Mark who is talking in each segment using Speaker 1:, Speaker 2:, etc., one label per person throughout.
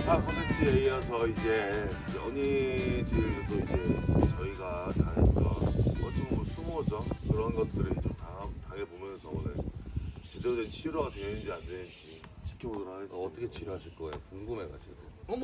Speaker 1: 차 콘텐츠에 이어서 이제 연희들도 이제 저희가 당했던 어찌 보면 수모죠. 그런 것들을 좀 당해보면서 오늘 제대로 된 치료가 되는지 안 되는지 지켜보도록 하겠습니다.
Speaker 2: 어떻게 치료하실 거예요? 궁금해가지고.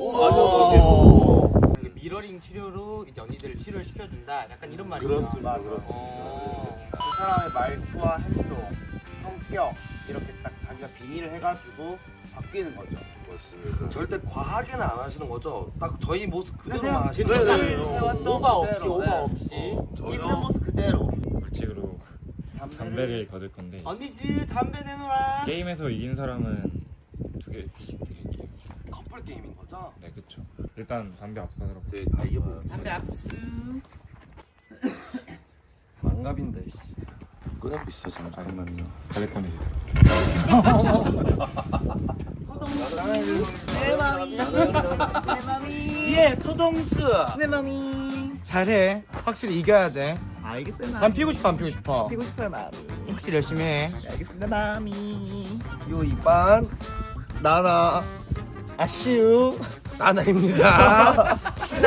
Speaker 3: 미러링 치료로 이제 언니들을 치료를 시켜준다. 약간 이런 말이죠.
Speaker 1: 그렇습니다. 그렇습니다.
Speaker 4: 그 사람의 말투와 행동, 성격 이렇게 딱 자기가 빙의를 해가지고 바뀌는 거죠.
Speaker 1: 맞습니다.
Speaker 2: 절대 과하게는 안 하시는 거죠? 딱 저희 모습 그대로만
Speaker 4: 그냥
Speaker 2: 하시는
Speaker 1: 네,
Speaker 2: 거죠?
Speaker 1: 네.
Speaker 4: 해왔던
Speaker 3: 오바 없이
Speaker 4: 그대로,
Speaker 3: 오바
Speaker 4: 네.
Speaker 3: 없이.
Speaker 4: 있는 모습 그대로.
Speaker 5: 벌칙으로 담배를 거둘 건데
Speaker 3: 언니즈 담배 내놓아.
Speaker 5: 게임에서 이긴 사람은 2개 비씩 드릴게요.
Speaker 2: 커플 게임인 거죠?
Speaker 5: 네, 그쵸. 일단 담배 압수하도록.
Speaker 1: 네, 다 이겨봐요.
Speaker 3: 담배 압수.
Speaker 2: 망갑인데 씨.
Speaker 1: 그냥 비싸잖아.
Speaker 5: 아니면요. 갈래권이
Speaker 4: 내 맘이 내 맘이 예 소동수 내 맘이
Speaker 3: 잘해. 확실히 이겨야 돼.
Speaker 4: 알겠어요.
Speaker 3: 난 피고 싶어 안 피고 싶어.
Speaker 4: 피고 싶어요 마음이.
Speaker 3: 확실히 열심히 해.
Speaker 4: 알겠습니다 마음이.
Speaker 2: 기호 2반
Speaker 4: 나나 아쉬우
Speaker 2: 나나입니다.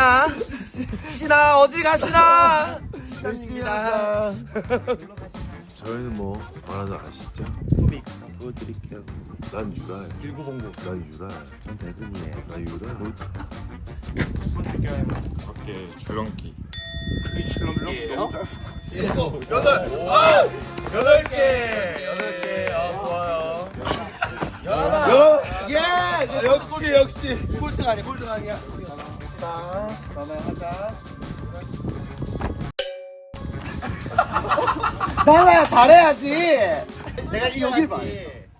Speaker 2: 신아 어디 가시나?
Speaker 4: 열심히 하자.
Speaker 1: 저희는 뭐 말하자 아시죠?
Speaker 4: 투빅
Speaker 1: 그거 드릴게요. 난 유라야.
Speaker 2: 길구봉구.
Speaker 1: 난 유라야. 전 대금이에요. 난 유라야.
Speaker 5: 학교에 밖에 줄넘기.
Speaker 3: 그게 줄넘기예요?
Speaker 2: 8개. 좋아요.
Speaker 1: 역시.
Speaker 2: 꼴등 아니야?
Speaker 4: 나나 하자. 나나야 잘해야지. 내가 이 여길 봐.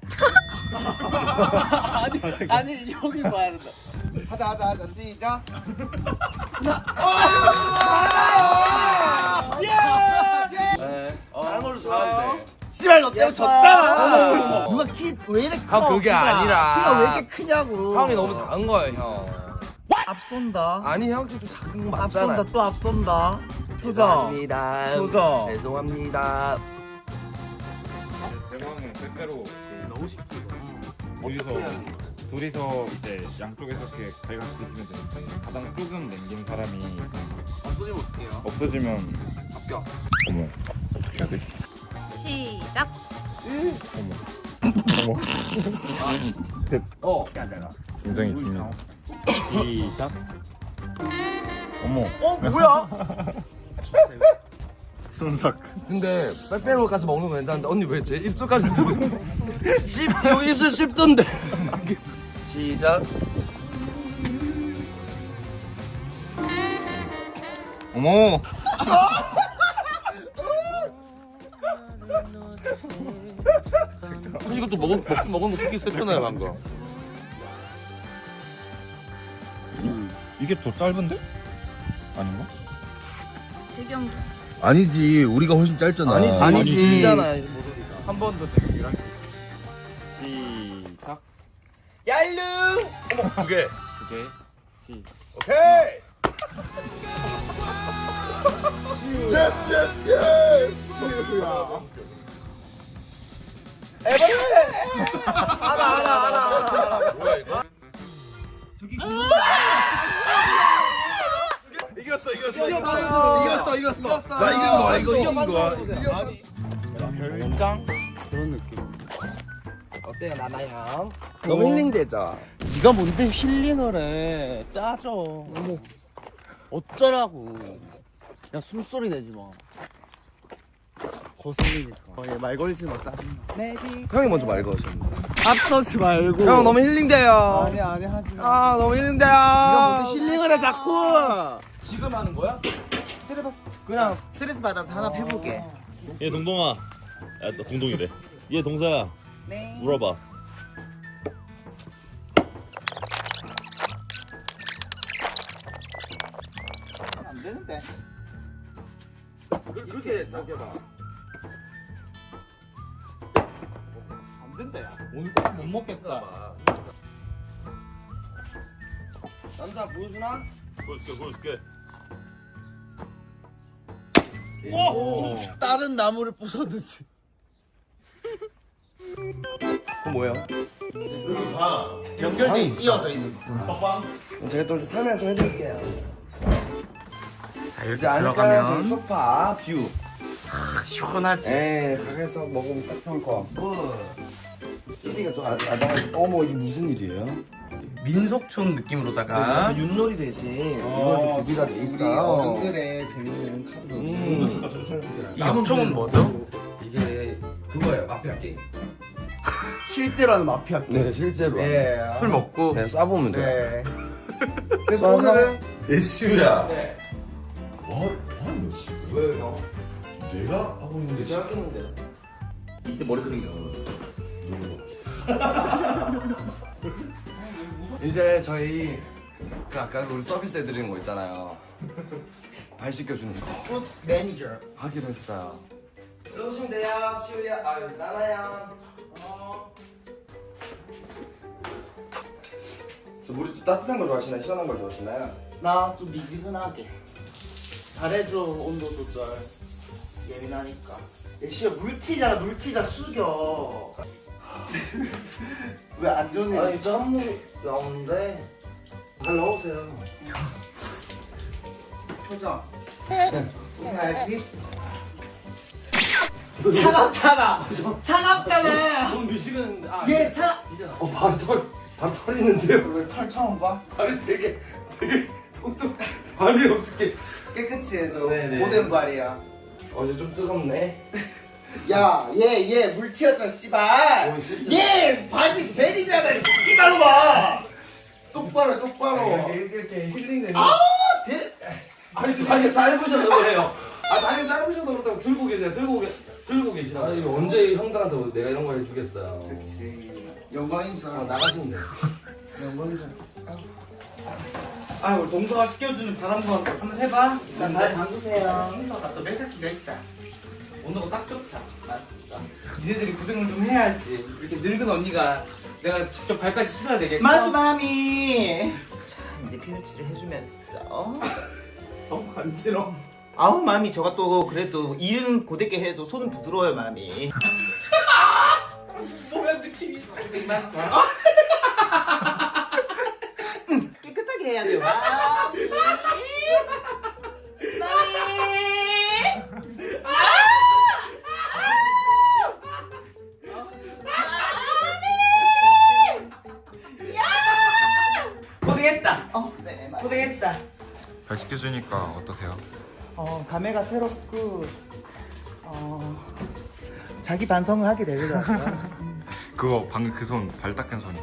Speaker 4: 아니 여길 봐야 된다. 하자 시작.
Speaker 2: 다른 걸로 좋아요.
Speaker 4: 씨발 너 때문에 졌잖아. 누가 키 왜 이렇게 커?
Speaker 2: 형, 그게 아니라.
Speaker 4: 키가 왜 이렇게 크냐고.
Speaker 2: 형이 너무 작은 거예요, 형.
Speaker 4: 앞선다.
Speaker 2: 아니, 형 좀 작은 거
Speaker 4: 앞선다
Speaker 2: 맞잖아요.
Speaker 4: 또 앞선다. 표정.
Speaker 2: 죄송합니다.
Speaker 4: 표정.
Speaker 2: 죄송합니다.
Speaker 5: 대망은 때때로
Speaker 3: 너무 쉽지.
Speaker 5: 둘이서 이제 양쪽에서 이렇게 발각 드시면 되는데 가장 조금 남긴 사람이
Speaker 2: 없어지면 어떡해요?
Speaker 5: 없어지면
Speaker 2: 합격.
Speaker 5: 어머 어떻게 해야 돼?
Speaker 6: 시작.
Speaker 5: 어머 굉장히 중요해. 시작. 어머
Speaker 3: 뭐야?
Speaker 5: 순삭.
Speaker 2: 근데 빼빼로까지 먹는 거 괜찮은데 언니 왜 제 입술까지 여기 입술 씹던데. 시작.
Speaker 5: 어머
Speaker 2: 사실 이것도 먹은 거 크게 셌잖아요 방금.
Speaker 5: 이게 더 짧은데? 아닌가?
Speaker 6: 재경.
Speaker 1: 아니지. 우리가 훨씬 짧잖아.
Speaker 4: 아니지.
Speaker 2: 길잖아 모서리가.
Speaker 5: 한 번 더 되게 유랑기. 시작.
Speaker 2: 얄루.
Speaker 1: 두 개.
Speaker 5: 2개. 시.
Speaker 1: 오케이. 예스.
Speaker 2: 하나.
Speaker 1: 뭐야 이거? 이겼어. 나 이긴 거야.
Speaker 4: 별장 그런 느낌.
Speaker 2: 어때요 나나 형? 너무 힐링되죠?
Speaker 4: 네가 뭔데 힐링을 해? 짜져. 어쩌라고. 야 숨소리 내지 마. 거슬리니까. 얘말 걸지 마 짜증나. 내지.
Speaker 2: 형이 먼저 말 거셨는데.
Speaker 4: 앞서지 말고.
Speaker 2: 형 너무 힐링돼요.
Speaker 4: 아니 하지 마.
Speaker 2: 아 너무 힐링돼요.
Speaker 4: 네가 뭔데 힐링을 해 자꾸.
Speaker 1: 지금 하는 거야?
Speaker 4: 그냥 스트레스 받아서 하나 해보게.
Speaker 7: 얘 동동아. 야, 너 동동이래. 얘 동서야.
Speaker 4: 네.
Speaker 7: 물어봐.
Speaker 4: 안 되는데.
Speaker 2: 그렇게 잡혀봐.
Speaker 4: 안 된다 야.
Speaker 3: 오늘 꼭 못 먹겠다.
Speaker 2: 남자 보여주나?
Speaker 7: 보여줄게.
Speaker 4: 다른 나무를 부쉈는지.
Speaker 2: 그건 뭐예요?
Speaker 4: 연결돼 이어져 있는 거.
Speaker 2: 제가 또 설명 좀 해드릴게요.
Speaker 3: 자 이렇게
Speaker 2: 이제 아니까 저기 소파 뷰.
Speaker 3: 시원하지.
Speaker 2: 에 가게에서 먹으면 딱 좋을 것 같고. 띠띠가 좀 아담하게. 어머 이게 무슨 일이에요?
Speaker 3: 민속촌 느낌으로다가
Speaker 2: 윷놀이 대신 이걸 좀 구비가 돼 있어요.
Speaker 4: 어른들의 재밌는 카드.
Speaker 3: 이 역총은 뭐죠?
Speaker 2: 이게 그거예요. 마피아 게임.
Speaker 4: 실제로 하는 마피아 게임.
Speaker 2: 네 실제로.
Speaker 4: 네.
Speaker 3: 술 먹고
Speaker 2: 네 쏴보면 돼요.
Speaker 4: 네.
Speaker 2: 그래서 오늘은
Speaker 1: 예시우야.
Speaker 2: 네.
Speaker 1: 뭐하는 거지?
Speaker 2: 왜요 형?
Speaker 1: 내가 하고 있는데
Speaker 2: 제가 했는데. 이때 머리 그린 게 이제 저희 그 아까 우리 서비스 해드리는 거 있잖아요. 발 씻겨주는 거
Speaker 4: 굿 매니저.
Speaker 2: 하기로 했어요. 들어오시면 돼요. 시우야, 나나야. 저 물이 또 따뜻한 거 좋아하시나요? 시원한 걸 좋아하시나요?
Speaker 4: 나 좀 미지근하게. 잘해줘 온도 조절. 예민하니까. 예시야 물티자 숙여. 왜 안 좋은 일?
Speaker 2: 아니 짠물이 나오는데 잘 넣으세요.
Speaker 4: 표정. 웃어야지. 차갑잖아.
Speaker 2: 좀 미식은
Speaker 4: 얘 차.
Speaker 2: 발 털리는데요.
Speaker 4: 왜 털 처음 봐?
Speaker 2: 발이 되게 통통. 발이 어떻게?
Speaker 4: 깨끗이 해줘.
Speaker 2: 네네.
Speaker 4: 고된 발이야.
Speaker 2: 어제 좀 뜨겁네.
Speaker 4: 야, 얘 물 튀었잖아, 씨발.
Speaker 2: 오, 실수.
Speaker 4: 얘 바지 베리잖아, 씨발로 봐. 똑바로.
Speaker 2: 이렇게 힐링되는.
Speaker 4: 대...
Speaker 2: 다리 짧으셔서 그래요. 다리 짧으셔서 그렇다고 들고 계시라고. 아니 언제 형들한테 내가 이런 거 해주겠어요.
Speaker 4: 그렇지. 영광입니다.
Speaker 2: 나가시면 돼요.
Speaker 4: 영광이죠.
Speaker 3: 아 우리 동서가 시켜주는 바람과 한번 해봐.
Speaker 4: 발 담그세요.
Speaker 3: 동서가 또 매사기가 있다. 온도가 딱 좋다. 맞다. 니네들이 고생을 좀 해야지. 이렇게 늙은 언니가 내가 직접 발까지 씻어야 되겠어?
Speaker 4: 맞아, 마미. 자, 이제 피누치를 해주면서.
Speaker 3: 너무 간지러워.
Speaker 4: 아우, 마미, 저가 또 그래도 일은 고데게 해도 손은 부드러워요, 마미.
Speaker 3: 보면 느낌이 고생 많다.
Speaker 4: 깨끗하게 해야 돼요, 마미.
Speaker 3: 고생했다.
Speaker 4: 네, 맞아.
Speaker 3: 고생했다.
Speaker 5: 발 씻겨주니까 어떠세요?
Speaker 4: 감회가 새롭고, 자기 반성을 하게 되더라고요.
Speaker 5: 그거 방금 그 손 발 닦은 손이.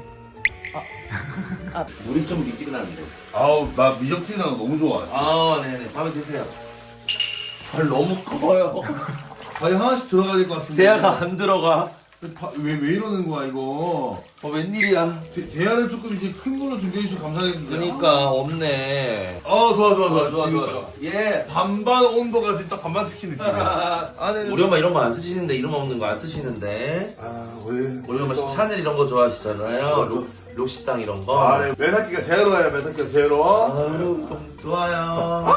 Speaker 2: 물이 좀 미지근한데.
Speaker 1: 아우 나 미적지는 거 너무 좋아.
Speaker 2: 네네. 밤에 드세요. 발 너무 커요.
Speaker 1: 아니 하나씩 들어가야 될 것 같은데.
Speaker 2: 대야가 안 들어가.
Speaker 1: 왜 이러는 거야 이거?
Speaker 2: 웬일이야?
Speaker 1: 대야를 조금 이제 큰 걸로 준비해 주셔서 감사하겠는데.
Speaker 2: 그러니까 없네.
Speaker 1: 좋아.
Speaker 2: 예.
Speaker 1: 반반 온도가 지금 딱 반반 치킨 느낌이야.
Speaker 2: 우리 엄마 이런 거 안 쓰시는데 이름 없는 거 안 쓰시는데. 우리 엄마 샤넬 이런 거 좋아하시잖아요. 록시땅 이런 거.
Speaker 1: 네. 매사기가 제로야, 매사기가 제로.
Speaker 2: 아유 좋아요.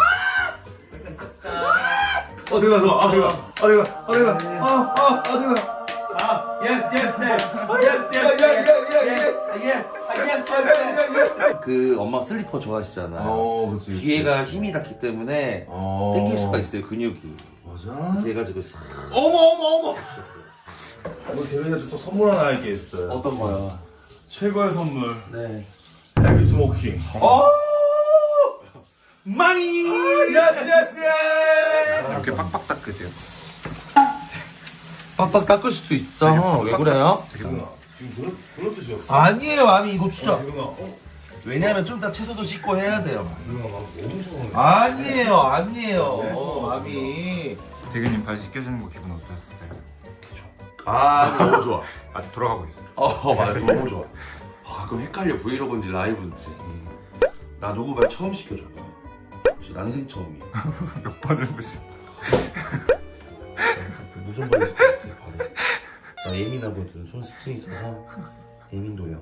Speaker 2: 그 엄마 슬리퍼 좋아하시잖아요.
Speaker 1: 그치.
Speaker 2: 뒤에가 힘이 닿기 때문에 땡길 수가 있어요 근육이.
Speaker 1: 맞아.
Speaker 2: 그래가지고 싹.
Speaker 1: 어머. 오늘 대회에서 또 선물 하나 할게 있어요.
Speaker 2: 어떤 거요?
Speaker 1: 최고의 선물.
Speaker 2: 네.
Speaker 1: 헤비 스모킹.
Speaker 2: 마미.
Speaker 1: 예스.
Speaker 5: 이렇게 빡빡 닦으세요.
Speaker 2: 빡빡 닦을 수도 있죠. 왜 그래요?
Speaker 1: 지금 그런 뜻이었어.
Speaker 2: 아니에요, 마미 이거 진짜.
Speaker 1: 대근아.
Speaker 2: 왜냐면 좀 이따 채소도 씻고 해야 돼요.
Speaker 1: 대근아 나 너무 좋아하네.
Speaker 2: 아니에요, 마미.
Speaker 5: 대근님 발 씻겨주는 거 기분 어떠셨어요?
Speaker 2: 너무 좋아.
Speaker 5: 아직 돌아가고 있어요.
Speaker 2: 맞아, 너무 좋아. 그럼 헷갈려 브이로그인지 라이브인지. 나 누구 말 처음 시켜줘. 난생 처음이야.
Speaker 5: 몇 번을 보시.
Speaker 2: 무슨 말이 있을 것 같아, 바로. 나 예민하거든. 손 습성이 있어서 예민도요.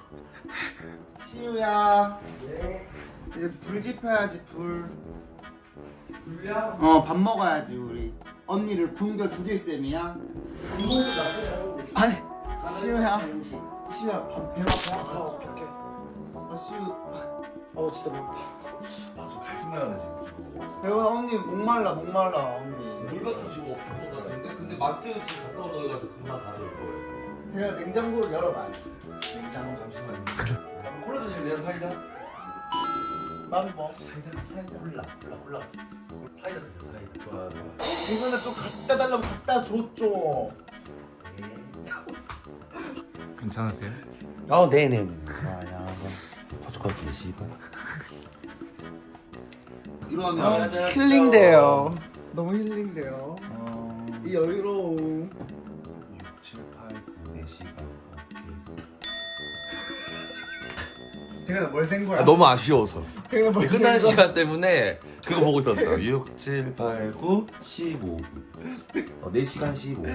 Speaker 4: 시우야. 네. 이제 불 지펴야지, 불.
Speaker 2: 불량?
Speaker 4: 밥 먹어야지, 우리. 언니를 굶겨 죽일 셈이야.
Speaker 2: 이모도 나쁘지 않은데.
Speaker 4: 아니, 시우야. 시우야 배가 아파.
Speaker 2: 오케이.
Speaker 4: 아 시우.
Speaker 2: 진짜 배고파.
Speaker 1: 아좀 갈증나네 지금.
Speaker 4: 배가 언니 목말라 언니.
Speaker 2: 물 같은 지금 없는 거 같은데? 근데 마트 지금 가까운 거 해가지고 금방 가져올 거예요.
Speaker 4: 제가 냉장고를 열어봐야지.
Speaker 2: 냉장고 잠시만요. 콜라 드실래요? 사이다?
Speaker 4: 맘이 뭐?
Speaker 2: 사이다. 콜라. 사이다 드세요. 사이다. 좋아.
Speaker 4: 이거는 좀 갖다 달라고 갖다 줬죠.
Speaker 5: 괜찮으세요?
Speaker 2: 네네네. 야, 어떡하지, 씨발. 일어나면
Speaker 4: 힐링돼요. 너무 힐링돼요. 이 여유로움.
Speaker 1: 6, 7, 8, 4시간.
Speaker 4: 대가 뭘센 거야?
Speaker 2: 너무 아쉬워서.
Speaker 4: 대가 뭘센
Speaker 2: 끝나는
Speaker 4: 거야?
Speaker 2: 시간 때문에 그거 보고 있었어요. 6, 7, 8, 9, 15. 4시간 15.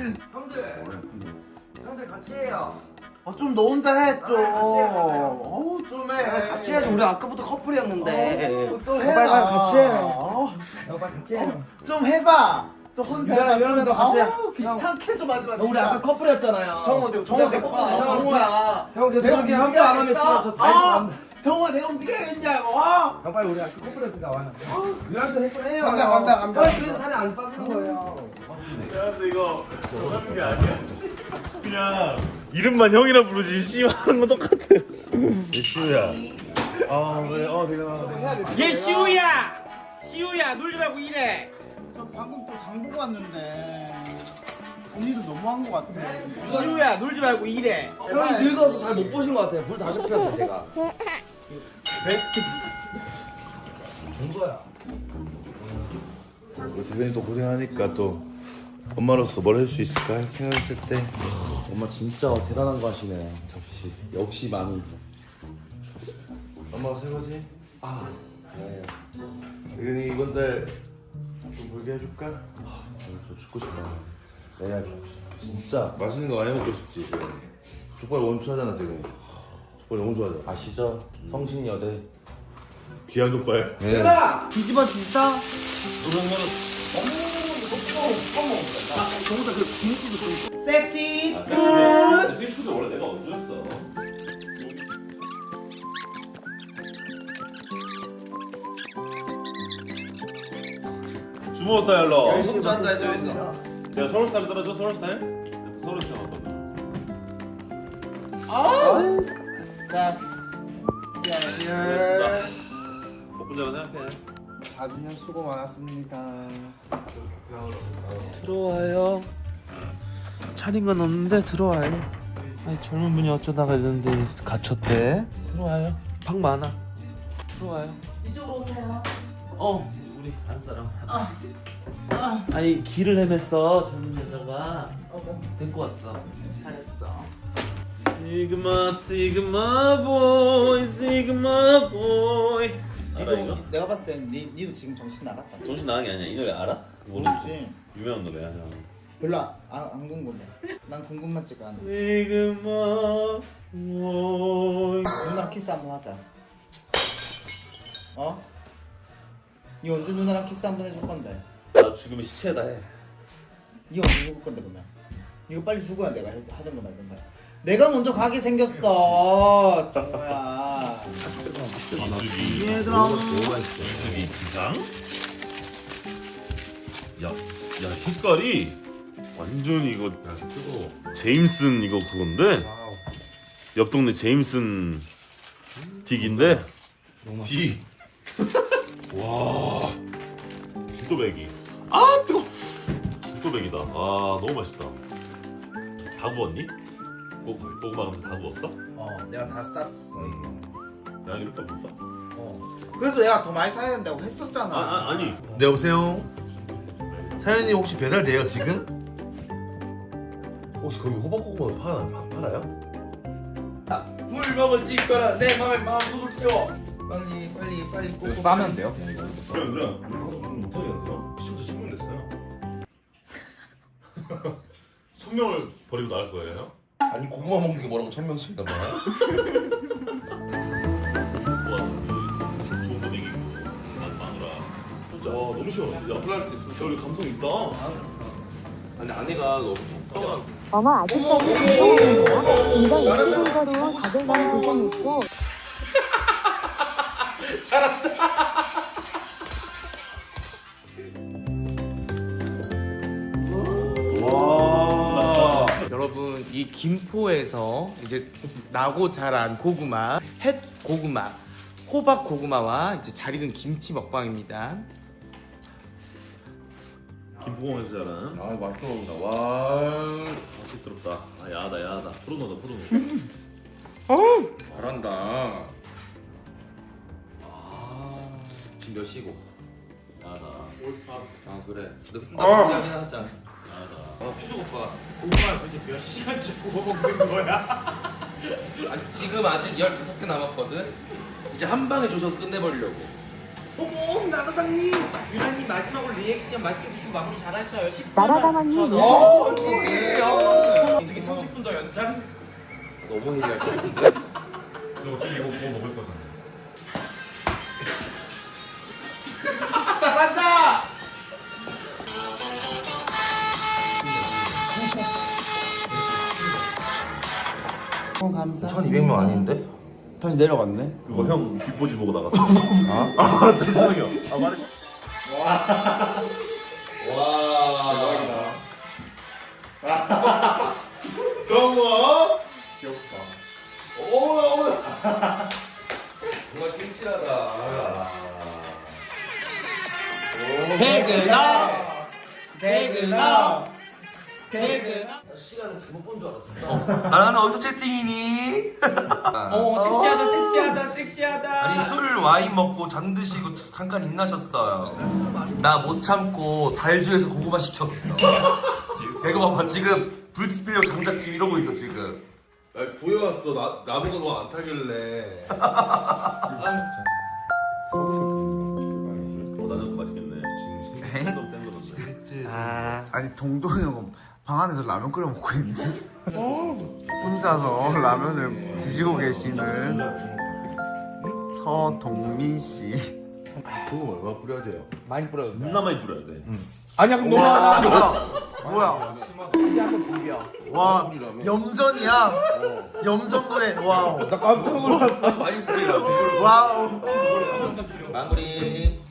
Speaker 2: 형들 같이 해요.
Speaker 4: 좀 너 혼자 해 좀.
Speaker 2: 같이 해,
Speaker 4: 좀 해.
Speaker 2: 같이 해야지. 우리 아까부터 커플이었는데.
Speaker 4: 좀 해라.
Speaker 2: 빨리 같이
Speaker 4: 해요.
Speaker 2: 빨리 같이 해요.
Speaker 4: 좀 해봐. 좀 혼자 해봐.
Speaker 2: 미안해, 너 같이 해.
Speaker 4: 귀찮게 좀 하지 마.
Speaker 2: 우리 아까 커플이었잖아요.
Speaker 4: 정호 내가 봐. 정호야.
Speaker 2: 형 계속
Speaker 4: 내가
Speaker 2: 그렇게 함께 안 하면 싫어. 저 다시 안
Speaker 4: 정호야 내가 움직여야겠냐고.
Speaker 2: 형 빨리 우리 아까 커플이었으니까 와요. 미안도 해좀 해요.
Speaker 4: 간다.
Speaker 2: 빨리 그래서 살이 안 빠지는 거예요.
Speaker 1: 야 근데 이거 하는 게 아니야. 그냥 이름만 형이라 부르지 씨하는 건 똑같아. 시우야. 내가
Speaker 3: 얘 시우야 놀지 말고 일해.
Speaker 4: 저 방금 또 장보고 왔는데 언니도 너무한 거 같아.
Speaker 3: 시우야 놀지 말고 일해.
Speaker 2: 형이 늙어서 잘 못 보신 것 같아요. 불 다 좁혔어 제가. 정서야.
Speaker 1: 대변이 또 고생하니까 또 엄마로서 뭘 할 수 있을까 생각했을 때
Speaker 2: 엄마 진짜 대단한 거 하시네. 역시 많이.
Speaker 1: 엄마가 설거지? 네. 대변이 이번 달 좀 벌게 해줄까?
Speaker 2: 저 죽고 싶어요. 내가 진짜
Speaker 1: 맛있는 거 많이 먹고 싶지. 족발 원추하잖아 대변이. 족발 너무 좋아하잖아.
Speaker 2: 아시죠? 성신여대.
Speaker 1: 귀한 족발.
Speaker 4: 뒤집어 진짜? 섹시
Speaker 7: 스위프도 원래 내가 얹었어. 주모 스타일로.
Speaker 2: 손도 앉아 있어.
Speaker 7: 내가 서울 스타일 떨어져 서울 스타일? 서울 스타일 어떤?
Speaker 4: 자
Speaker 7: 복분자가 생각해.
Speaker 4: 4주년 수고 많았습니다.
Speaker 8: 들어와요. 차린 건 없는데 들어와요. 아니 젊은 분이 어쩌다가 이런데 갇혔대. 들어와요. 방 많아. 들어와요.
Speaker 4: 이쪽으로 오세요.
Speaker 8: 우리 안 사람. 아니 길을 헤맸어 젊은 여자가. 데리고 왔어.
Speaker 4: 잘했어.
Speaker 8: 시그마 보이 시그마 보이. 알아 이거?
Speaker 4: 내가 봤을 땐 니도 지금 정신 나갔다.
Speaker 7: 정신 나간 게 아니야. 이 노래 알아?
Speaker 4: 모르지.
Speaker 7: 유명한 노래야. 형.
Speaker 4: 별로 안 궁금해. 난 궁금하지가 않아.
Speaker 8: 시그마 보이.
Speaker 4: 누나랑 키스 한번 하자. 니 언제 누나랑 키스 한번 해줄 건데?
Speaker 7: 나 죽으면 시체다 해.
Speaker 4: 니 언제 죽을 건데 그러면? 이거 빨리 죽어야 내가 하던 거 말던가. 내가 먼저 가게 생겼어. 정우야. 얘들아.
Speaker 7: 이기 기상? 야 색깔이 완전 이거 제임슨 이거 그건데 옆 동네 제임슨 딕인데 디. 와 진또배기. 뜨거. 진또배기다. 너무 맛있다. 다 구웠니? 고구마 감자 다 구웠어?
Speaker 4: 내가 다 쌌어 이거.
Speaker 7: 야 이렇게 없다.
Speaker 4: 그래서 내가 더 많이 사야 된다고 했었잖아.
Speaker 7: 아니.
Speaker 1: 네 여보세요. 사연이 혹시 배달돼요 지금? 혹시 거기 호박고구마 팔아요?
Speaker 2: 불 먹을 짓거라 내 맘에 마음속을 태워.
Speaker 4: 빨리 꼭
Speaker 5: 싸면 돼요?
Speaker 7: 그래. 방송 못하겠네요. 시청자 10명 됐어요. 1000명을 버리고 나갈 거예요?
Speaker 1: 아니 고구마 먹는 게 뭐라고 1000명씩이나 봐.
Speaker 7: 와, 좋은 분위기고 마누라. 진짜 와 너무 시원해. 야, 여기 감성 있다.
Speaker 2: 아니 아내가 너무
Speaker 9: 어머 아직까지 운동이네요. 이거 21거리 가져가는 부분이 있고
Speaker 1: 와.
Speaker 3: 여러분 이 김포에서 이제 나고 자란 고구마, 햇 고구마, 호박 고구마와 이제 잘 익은 김치 먹방입니다.
Speaker 7: 김포공에서 자란
Speaker 1: 아 맛있게 먹는다. 와.
Speaker 7: 맛있스럽다. 아 야하다 야하다. 포도노다 포도노.
Speaker 1: 잘한다.
Speaker 2: 지금 몇 시고?
Speaker 7: 야하다.
Speaker 2: 아 그래. 너 이야기나 하자.
Speaker 7: 야하다.
Speaker 2: 피숙 오빠.
Speaker 3: 고구마를 도대체 몇 시간째 구워 먹는 거야?
Speaker 2: 아니, 지금 아직 15개 남았거든. 이제 한 방에 조져서 끝내버리려고.
Speaker 3: 어머 나사장님 유나님 마지막으로 리액션 맛있게 드시고 마무리 잘하셔요. 10분
Speaker 9: 나라다마님
Speaker 3: 어떻게 30분 더 연장?
Speaker 2: 너무 해지할 것 같은데?
Speaker 7: 너 어차피 이거 구워 먹을 거잖아.
Speaker 3: 잘한다!
Speaker 4: 감사.
Speaker 2: 1200명 아닌데?
Speaker 4: 다시 내려갔네.
Speaker 7: 그거 형 뒷보지 보고 나갔어. 아 죄송해요. 아 말해.
Speaker 1: 정우.
Speaker 2: 정말 섹시하다.
Speaker 3: 퇴근업! 퇴근업! 퇴근업!
Speaker 2: 시간을 잘못 본 줄 알았어.
Speaker 8: 나는 어디서 채팅이니?
Speaker 3: 섹시하다 섹시하다 섹시하다.
Speaker 8: 아니 술 와인 먹고 잠 드시고 잠깐 인나셨어요. 나 못 참고 달주에서 고구마 시켰어. 이거 봐봐 지금 불빛 빌려 장작 지금 이러고 있어 지금.
Speaker 1: 야, 구해왔어. 나보고 너 안 타길래.
Speaker 7: 나는 맛있겠네. 지금 신경 땡거졌네.
Speaker 4: 아니 동동이 형 방 안에서 라면 끓여 먹고 있는지 혼자서 라면을 드시고 계시는 서동민 씨.
Speaker 1: 그거 얼마 뿌려야 돼요?
Speaker 3: 많이 뿌려도 돼.
Speaker 7: 존나 많이 뿌려야 돼.
Speaker 3: 아니야 그럼
Speaker 4: 와
Speaker 3: 너무
Speaker 4: 뭐야?
Speaker 3: 이제 한번 비벼.
Speaker 4: 와 염전이야. 염전도에 와
Speaker 3: 나 깜짝 놀랐어.
Speaker 2: 많이 뿌리라.
Speaker 4: 와우.
Speaker 2: 마무리.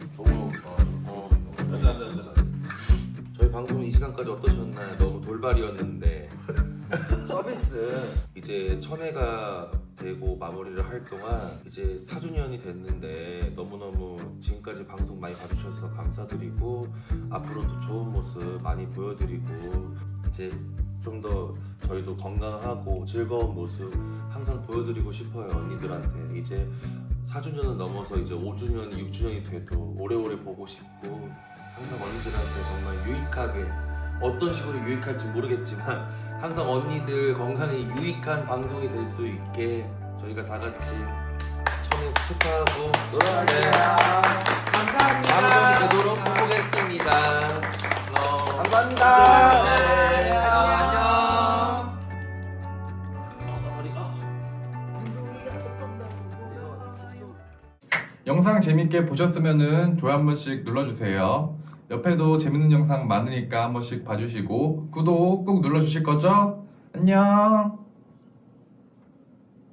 Speaker 2: 저희 방송 이 시간까지 어떠셨나요? 너무 돌발이었는데 서비스 이제 천회가 되고 마무리를 할 동안 이제 4주년이 됐는데 너무너무 지금까지 방송 많이 봐주셔서 감사드리고 앞으로도 좋은 모습 많이 보여드리고 이제 좀 더 저희도 건강하고 즐거운 모습 항상 보여드리고 싶어요 언니들한테. 이제 4주년은 넘어서 이제 5주년, 6주년이 돼도 오래오래 보고 싶고 항상 언니들한테 정말 유익하게 어떤 식으로 유익할지 모르겠지만 항상 언니들 건강에 유익한 방송이 될 수 있게 저희가 다 같이 천회 축하하고 감사합니다. 방송이 되도록 해보겠습니다. 감사합니다. 네, 안녕.
Speaker 5: 영상 재밌게 보셨으면 좋아요 한 번씩 눌러주세요. 옆에도 재밌는 영상 많으니까 한 번씩 봐주시고 구독 꼭 눌러주실 거죠? 안녕.